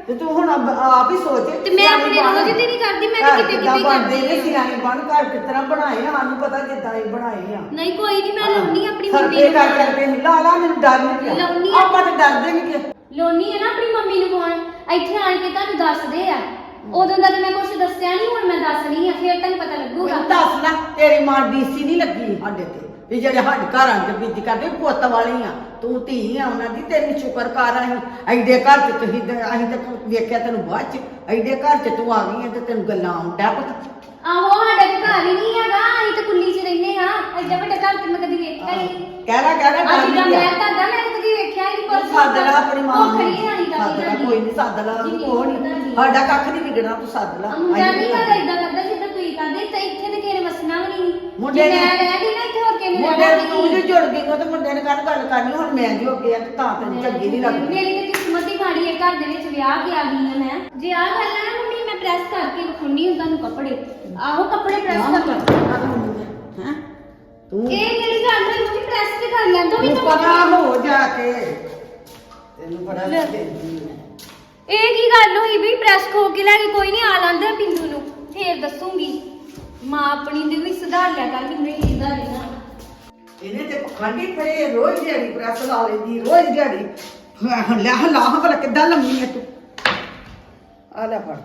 ਤੇ ਤੂੰ ਹੁਣ ਆਪ ਹੀ ਸੋਚ ਤੇ ਮੈਂ ਆਪਣੇ ਰੋਜ਼ ਦੀ ਨਹੀਂ ਕਰਦੀ, ਮੈਂ ਤਾਂ ਕਿਤੇ ਕਿਤੇ ਬਣਦੇ ਨੇ ਕਰਦੀ ਸਿਆਣੇ ਬਣ ਘਰ ਕਿਸ ਤਰ੍ਹਾਂ ਬਣਾਏ ਆ, ਸਾਨੂੰ ਪਤਾ ਕਿੱਦਾਂ ਇਹ ਬਣਾਏ ਆ। ਨਹੀਂ ਕੋਈ ਨਹੀਂ, ਮੈਂ ਲਾਉਣੀ ਆਪਣੀ ਮੰਮੀ ਸਰਪੇ ਨੂੰ ਕਰ ਕਰਕੇ ਲਾ ਲਾ, ਮੈਨੂੰ ਡਰ ਨਹੀਂ ਲਾਉਣੀ ਪਿਆ, ਆ। ਆਪਾਂ ਤਾਂ ਡਰਦੇ ਨਹੀਂ ਕਿ ਲਾਉਣੀ ਹੈ ਨਾ ਆਪਣੀ ਮੰਮੀ ਨੂੰ ਫੋਨ, ਇੱਥੇ ਆਣ ਕੇ ਤੁਹਾਨੂੰ ਦੱਸਦੇ ਆ। ਉਦੋਂ ਦਾ ਤਾਂ ਮੈਂ ਕੁਝ ਦੱਸਿਆ ਨਹੀਂ, ਹੁਣ ਮੈਂ ਦੱਸਣੀ ਆ, ਫਿਰ ਤੁਹਾਨੂੰ ਪਤਾ ਲੱਗੂਗਾ। ਦੱਸ ਲੈ, ਤੇਰੀ ਮਾਂ ਡੀਸੀ ਨਹੀਂ ਲੱਗੀ ਸਾਡੇ ਤੇ ਵੀ ਜਿਹੜੇ ਸਾਡੇ ਘਰਾਂ 'ਚ ਬੀਜੀ ਕਰਦੇ ਪੁੱਤ ਵਾਲੀ ਆ, ਤੂੰ ਧੀ ਆ ਉਹਨਾਂ ਦੀ, ਤੈਨੂੰ ਸ਼ੁਕਰ ਕਰ ਅਸੀਂ ਐਡੇ ਘਰ 'ਚ ਤੁਸੀਂ ਅਸੀਂ ਤਾਂ ਵੇਖਿਆ ਤੈਨੂੰ ਬਾਅਦ 'ਚ, ਐਡੇ ਘਰ 'ਚ ਤੂੰ ਆ ਗਈ ਆ ਤੇ ਤੈਨੂੰ ਗੱਲਾਂ ਆਉਂਦਾ ਪਤਾ। ਆਹੋ ਸਾਡੇ ਤੇ ਘਰ ਹੀ ਨਹੀਂ ਹੈਗਾ, ਅਸੀਂ ਤਾਂ ਕੁੱਲੀ 'ਚ ਰਹਿੰਦੇ ਆ, ਐਡਾ ਵੱਡਾ ਘਰ ਤੇ ਮੈਂ ਕਦੀ ਵੇਖਿਆ ਹੀ ਨਹੀਂ। ਕਹਿ ਲੈ ਅੱਜ ਦਾ ਮੈਂ ਤੁਹਾਡਾ ਮੈਂ ਤਾਂ ਕਦੀ ਵੇਖਿਆ ਹੀ ਨਹੀਂ। ਪਰ ਸੱਦ ਲਾ ਆਪਣੀ ਮਾਂ ਨੂੰ, ਖੜੀ ਰਾਣੀ ਦਾ ਸੱਦ ਲਾ, ਕੋਈ ਨਹੀਂ ਸੱਦ ਲਾ, ਕੋਈ ਨਹੀਂ, ਸਾਡਾ ਕੱਖ ਨਹੀਂ ਵਿਗੜਨਾ, ਤੂੰ ਸੱਦ ਲਾ। ਮੁੰਡਾ ਨਹੀਂ ਕਰਦਾ ਇਦਾਂ ਕਰਦਾ ਜਿੱਦਾਂ ਤੁਸੀਂ ਕਰਦੇ, ਤੇ ਇੱਥੇ ਤੇ ਕਿਸੇ ਨੇ ਵਸਣਾ ਵੀ ਨਹੀਂ। ਮੁੰਡੇ ਜੇ ਨੇ- ਮੈਂ ਰਹਿ ਗਈ ਨਾ ਇੱਥੇ, ਹੋਰ ਕਿਸੇ ਨੇ ਮੁੰਡੇ ਰਹਿਣਾ ਤੂੰ ਵੀ ਜੋ ਨਹੀਂ। ਜੁੜ ਗਈ ਉਹ ਤੇ ਮੁੰਡੇ ਨੇ ਕੱਲ ਗੱਲ ਕਰਨੀ, ਹੁਣ ਮੈਂ ਜੋ ਗਿਆ ਤੇ ਤਾਂ ਤੈਨੂੰ ਚੰਗੀ ਨਹੀਂ ਲੱਗਦੀ। ਮੇਰੀ ਤੇ ਕਿਸਮਤ ਹੀ ਮਾੜੀ ਹੈ, ਘਰ ਦੇ ਵਿੱਚ ਵਿਆਹ ਕੇ ਆ ਗਈ ਹਾਂ ਮੈਂ। ਜੇ ਆਹ ਗੱਲ ਹੈ ਨਾ ਮੰਮੀ, ਮੈਂ ਪ੍ਰੈਸ ਕਰਕੇ ਵਿਖਾਉਣੀ ਹੁੰਦਾ ਨੂੰ ਕੱਪੜੇ। ਆਹੋ ਕੱਪੜੇ ਪ੍ਰੈਸ ਕਰ ਹੈਂ? ਤੂੰ ਇਹ ਕਿਹੜੀ ਗੱਲ ਹੈ ਮੰਮੀ, ਪ੍ਰੈਸ ਤੇ ਕਰ ਲੈਂਦਾ ਵੀ ਤੂੰ ਤਾਂ ਪਤਾ ਹੋ ਜਾ ਕੇ ਤੈਨੂੰ ਬੜਾ ਦਿੰਦੀ ਮੈਂ। ਇਹ ਕੀ ਗੱਲ ਹੋਈ ਵੀ ਪ੍ਰੈਸ ਖੋ ਕੇ ਲੈ ਕੇ? ਕੋਈ ਨਹੀਂ, ਆ ਲਾਂਦਾ ਪਿੰਦੂ ਨੂੰ, ਫੇਰ ਦੱਸੂਗੀ। ਮਾਂ ਆਪਣੀ ਦੇ ਵੀ ਸੁਧਾਰ ਲਿਆ ਕਰ, ਮੈਨੂੰ ਨਹੀਂ ਸੁਧਾਰ ਲੈਣਾ। ਇਹਨੇ ਤੇ ਪਖੰਡੀ ਪਰੇ ਰੋਜ਼ ਦਿਹਾੜੀ ਪ੍ਰੈਸ ਲਾ ਲੈਂਦੀ, ਰੋਜ਼ ਦਿਹਾੜੀ ਲੈ ਹਲਾ ਭਲਾ ਕਿੱਦਾਂ ਲੰਮੀ ਹੈ ਤੂੰ। ਆ ਲੈ ਫੜ।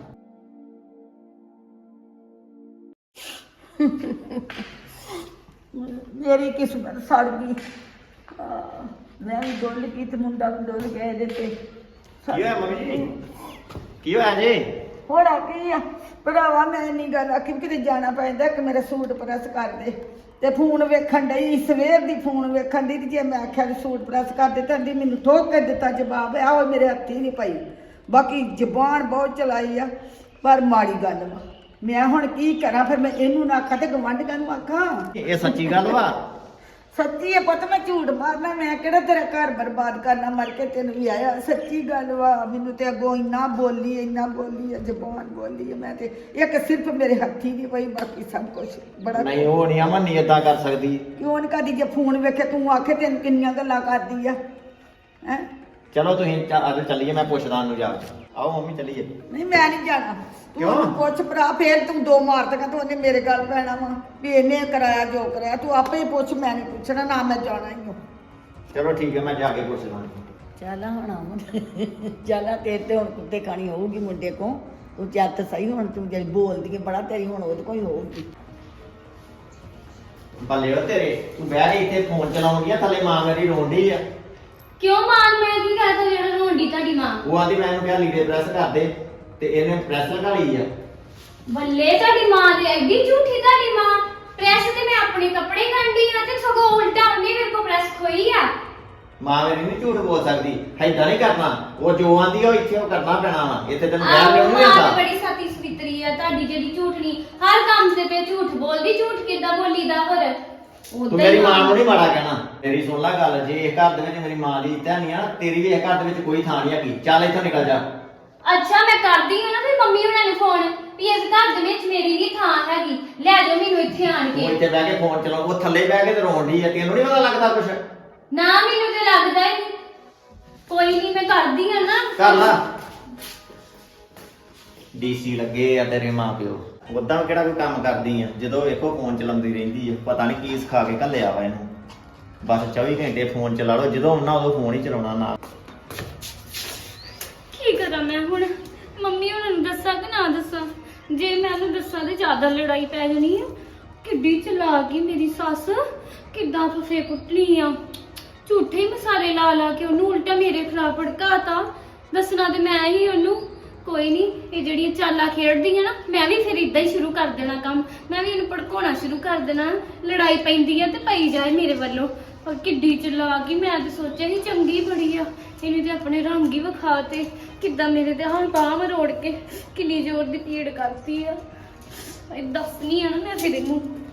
ਮੇਰੀ ਕਿਸਮਤ ਸੜ ਗਈ। ਮੈਂ ਵੀ ਡੁੱਲ ਗਈ ਤੇ ਮੁੰਡਾ ਵੀ ਡੁੱਲ ਗਿਆ ਇਹਦੇ ਤੇ। ਕੀ ਹੋਇਆ ਮੰਮੀ ਜੀ? ਕੀ ਹੋਇਆ ਜੀ? ਹੋਣਾ ਕੀ ਆ ਭਰਾਵਾ, ਮੈਂ ਨਹੀਂ ਗੱਲ ਆਖੀ ਵੀ ਕਿਤੇ ਜਾਣਾ ਪੈਂਦਾ ਕਿ ਮੇਰਾ ਸੂਟ ਪ੍ਰੈਸ ਕਰ ਦੇ, ਤੇ ਫੋਨ ਵੇਖਣ ਡਈ ਸਵੇਰ ਦੀ, ਫੋਨ ਵੇਖਣ ਦੀ, ਜੇ ਮੈਂ ਆਖਿਆ ਵੀ ਸੂਟ ਪ੍ਰੈਸ ਕਰ ਦੇ ਤਾਂ ਮੈਨੂੰ ਠੋਕ ਕੇ ਦਿੱਤਾ ਜਵਾਬ, ਆਹੋ ਮੇਰੇ ਹੱਥੀ ਨਹੀਂ ਪਈ। ਬਾਕੀ ਜ਼ਬਾਨ ਬਹੁਤ ਚਲਾਈ ਆ, ਪਰ ਮਾੜੀ ਗੱਲ ਵਾ। ਮੈਂ ਹੁਣ ਕੀ ਕਰਾਂ, ਫਿਰ ਮੈਂ ਇਹਨੂੰ ਨਾ ਆਖਾਂ ਤੇ ਗਵਾਂਢੀਆਂ ਨੂੰ ਆਖਾਂ। ਇਹ ਸੱਚੀ ਗੱਲ ਵਾ? ਸੱਚੀ ਹੈ ਪੁੱਤ, ਮੈਂ ਝੂਠ ਮਾਰਨਾ, ਮੈਂ ਕਿਹੜਾ ਤੇਰਾ ਘਰ ਬਰਬਾਦ ਕਰਨਾ, ਮਰ ਕੇ ਤੈਨੂੰ ਵੀ ਆਇਆ। ਸੱਚੀ ਗੱਲ ਵਾ, ਮੈਨੂੰ ਤੇ ਅੱਗੋਂ ਇੰਨਾ ਬੋਲੀ ਹੈ, ਜ਼ਬਾਨ ਬੋਲੀ ਹੈ, ਮੈਂ ਤੇ ਇੱਕ ਸਿਰਫ ਮੇਰੇ ਹੱਥੀ ਨਹੀਂ ਪਈ, ਬਾਕੀ ਸਭ ਕੁਝ ਬੜਾ। ਨਹੀਂ ਉਹ ਨਹੀਂ ਅਮਨ ਨਹੀਂ ਏਦਾਂ ਕਰ ਸਕਦੀ। ਕਿਉਂ ਨਹੀਂ ਕਰਦੀ? ਜੇ ਫੋਨ ਵੇਖੇ ਤੂੰ ਆਖੇ ਤੈਨੂੰ ਕਿੰਨੀਆਂ ਗੱਲਾਂ ਕਰਦੀ ਆ ਹੈ। ਚਲੋ ਤੁਸੀਂ ਅੱਜ ਚੱਲੀਏ, ਮੈਂ ਪੁੱਛਦਾ ਉਹਨੂੰ ਜਾ ਕੇ। ਆਓ ਮੰਮੀ ਚੱਲੀਏ। ਨਹੀਂ ਮੈਂ ਨਹੀਂ ਜਾਣਾ। ਕਿਉਂ? ਤੂੰ ਪੁੱਛ ਭਰਾ, ਫੇਰ ਤੂੰ ਦੋ ਮਾਰ ਦੇਗਾ ਤੂੰ, ਉਹਨੇ ਮੇਰੇ ਗੱਲ ਪੈਣਾ ਵਾ ਵੀ ਇਹਨੇ ਕਰਾਇਆ ਜੋ ਕਰਾਇਆ। ਤੂੰ ਆਪੇ ਹੀ ਪੁੱਛ, ਮੈਂ ਨਹੀਂ ਪੁੱਛਣਾ, ਨਾ ਮੈਂ ਜਾਣਾ ਹੀ ਹਾਂ। ਚਲੋ ਠੀਕ ਹੈ, ਮੈਂ ਜਾ ਕੇ ਪੁੱਛਦਾ। ਚੱਲ ਹੁਣ ਚੱਲ ਤੇਰੇ ਤੇ ਹੁਣ ਕੁੱਤੇ ਖਾਣੀ ਹੋਊਗੀ ਮੁੰਡੇ ਕੋ, ਤੂੰ ਚੱਤ ਸਹੀ। ਹੁਣ ਤੂੰ ਜਿਹੜੀ ਬੋਲਦੀ ਹੈ ਬੜਾ, ਤੇਰੀ ਹੁਣ ਉਹਦੇ ਕੋਈ ਹੋਊਗੀ। ਬੱਲੇ ਉਹ ਤੇਰੇ, ਤੂੰ ਬਹਿ ਕੇ ਇੱਥੇ ਫੋਨ ਚਲਾਉਂਦੀ ਆ, ਥੱਲੇ ਮਾਂ ਮੇਰੀ ਰੋਂਦੀ ਆ। ਕਿਉਂ ਮਾਨ, ਮੈਂ ਕੀ ਕਰਦਾ ਜਿਹੜਾ ਰੋਂਡੀ ਤੁਹਾਡੀ ਮਾਂ? ਉਹ ਆਂਦੀ ਮੈਂ ਇਹਨੂੰ ਕਿਹਾ ਲੀੜੇ ਪ੍ਰੈਸ ਕਰ ਦੇ, ਤੇ ਇਹਨੇ ਪ੍ਰੈਸ ਲਗਾ ਲਈ ਆ। ਬੱਲੇ ਤੁਹਾਡੀ ਮਾਂ ਦੇ, ਐਡੀ ਝੂਠੀ ਤੁਹਾਡੀ ਮਾਂ। ਪ੍ਰੈਸ ਤੇ ਮੈਂ ਆਪਣੇ ਕੱਪੜੇ ਕੱਢੀ ਆ, ਤੇ ਸਗੋਂ ਉਲਟਾ ਉਹਨੇ ਮੇਰੇ ਕੋਲ ਪ੍ਰੈਸ ਖੋਈ ਆ। ਮਾਂ ਮੇਰੀ ਨਹੀਂ ਝੂਠ ਬੋਲ ਸਕਦੀ, ਏਦਾਂ ਨਹੀਂ ਕਰਨਾ। ਉਹ ਜੋ ਆਂਦੀ ਉਹ ਇੱਥੇ ਉਹ ਕਰਨਾ ਪੈਣਾ ਵਾ, ਇੱਥੇ ਤੈਨੂੰ ਬਹਿ ਲਿਓ ਨਹੀਂ ਮਾਂ ਹੁੰਦਾ। ਤੇ ਬੜੀ ਸਾਤੀ ਸਵਿਤਰੀ ਆ ਤੁਹਾਡੀ, ਜਿਹੜੀ ਝੂਠਣੀ ਹਰ ਕੰਮ ਤੇ ਝੂਠ ਬੋਲਦੀ। ਝੂਠ ਕਿੱਦਾਂ ਬੋਲੀਦਾ? ਹੋਰ ਤੂੰ ਮੇਰੀ ਮਾਂ ਨੂੰ ਨਹੀਂ ਮਾੜਾ ਕਹਿਣਾ। ਮੇਰੀ ਸੁਣ ਲੈ ਗੱਲ, ਜੇ ਇਸ ਘਰ ਦੇ ਵਿੱਚ ਮੇਰੀ ਮਾਂ ਦੀ ਇੱਜ਼ਤ ਨਹੀਂ ਆ, ਤੇਰੀ ਵੀ ਇਸ ਘਰ ਦੇ ਵਿੱਚ ਕੋਈ ਥਾਂ ਨਹੀਂ ਹੈਗੀ। ਚੱਲ ਇੱਥੋਂ ਨਿਕਲ ਜਾ। ਅੱਛਾ ਮੈਂ ਕਰਦੀ ਹਾਂ ਨਾ ਫਿਰ ਮੰਮੀ ਉਹਨਾਂ ਨੂੰ ਫੋਨ ਵੀ ਇਸ ਘਰ ਦੇ ਵਿੱਚ ਮੇਰੀ ਵੀ ਥਾਂ ਹੈਗੀ, ਲੈ ਜਾਓ ਮੈਨੂੰ ਇੱਥੇ ਆਣ ਉਹ ਕੇ। ਇੱਥੇ ਬਹਿ ਕੇ ਫੋਨ ਚਲਾਉ, ਉਹ ਥੱਲੇ ਬਹਿ ਕੇ ਤੇ ਰੋਣ ਡਈ ਆ। ਤੈਨੂੰ ਨਹੀਂ ਪਤਾ ਲੱਗਦਾ ਕੁਛ? ਨਾ ਮੈਨੂੰ ਤੇ ਲੱਗਦਾ ਹੀ ਨਹੀਂ। ਕੋਈ ਨਹੀਂ, ਮੈਂ ਕਰਦੀ ਹਾਂ ਨਾ। ਕਰ ਲਾ। ਡੀਸੀ ਲੱਗੇ ਆ ਤੇਰੇ ਮਾਂ ਪਿਓ, ਉਦਾਂ ਕਿਹੜਾ ਕੋਈ ਕੰਮ ਕਰਦੀ ਆ? ਜਦੋਂ ਵੇਖੋ ਫੋਨ ਚਲਾਉਂਦੀ ਰਹਿੰਦੀ ਆ, ਪਤਾ ਨਹੀਂ ਕੀ ਸਿਖਾ ਕੇ ਘੱਲਿਆ ਵਾ ਇਹਨੂੰ। ਬਸ 24 ਘੰਟੇ ਫੋਨ ਚਲਾ ਲਓ, ਜਦੋਂ ਆਉਣਾ ਉਦੋਂ ਫੋਨ ਹੀ ਚਲਾਉਣਾ ਨਾਲ। ਕੀ ਕਰਾਂ ਮੈਂ ਹੁਣ? ਮੰਮੀ ਉਹਨਾਂ ਨੂੰ ਦੱਸਾਂ ਕਿ ਨਾ ਦੱਸਾਂ? ਜੇ ਮੈਂ ਉਹਨੂੰ ਦੱਸਾਂ ਤੇ ਜ਼ਿਆਦਾ ਲੜਾਈ ਪੈ ਜਾਣੀ ਆ। ਕਿੱਡੀ ਚਲਾਕ ਗਈ ਮੇਰੀ ਸੱਸ, ਕਿੱਦਾਂ ਫਫੇ ਕੁੱਟਣੀ ਆ। ਝੂਠੇ ਹੀ ਮਸਾਲੇ ਲਾ ਲਾ ਕੇ ਉਹਨੂੰ ਉਲਟਾ ਮੇਰੇ ਖਿਲਾਫ ਭੜਕਾਤਾ। ਦੱਸਣਾ ਤੇ ਮੈਂ ਹੀ ਉਹਨੂੰ। ਕੋਈ ਨਹੀਂ, ਇਹ ਜਿਹੜੀਆਂ ਚਾਲਾਂ ਖੇਡਦੀ ਆ ਨਾ, ਮੈਂ ਵੀ ਫਿਰ ਇਦਾਂ ਹੀ ਸ਼ੁਰੂ ਕਰ ਦੇਣਾ ਕੰਮ। ਮੈਂ ਵੀ ਇਹਨੂੰ ਭੜਕਾਉਣਾ ਸ਼ੁਰੂ ਕਰ ਦੇਣਾ। ਲੜਾਈ ਪੈਂਦੀ ਆ ਤੇ ਪਈ ਜਾਏ ਮੇਰੇ ਵੱਲੋਂ। ਪਰ ਕਿੱਡੀ ਚਲਾਕ ਗਈ, ਮੈਂ ਤਾਂ ਸੋਚਿਆ ਸੀ ਚੰਗੀ ਬੜੀ ਆ, ਇਹਨੇ ਤੇ ਆਪਣੇ ਰੰਗ ਹੀ ਵਿਖਾ ਤੇ। ਕਿੱਦਾਂ ਮੇਰੇ ਤੇ ਹੁਣ ਬਾਂਹ ਮਰੋੜ ਕੇ ਕਿੰਨੀ ਜ਼ੋਰ ਦੀ ਪੀੜ ਕਰਦੀ ਆ। ਦੱਸਣੀ ਆ ਨਾ ਮੈਂ ਫਿਰ ਇਹਨੂੰ।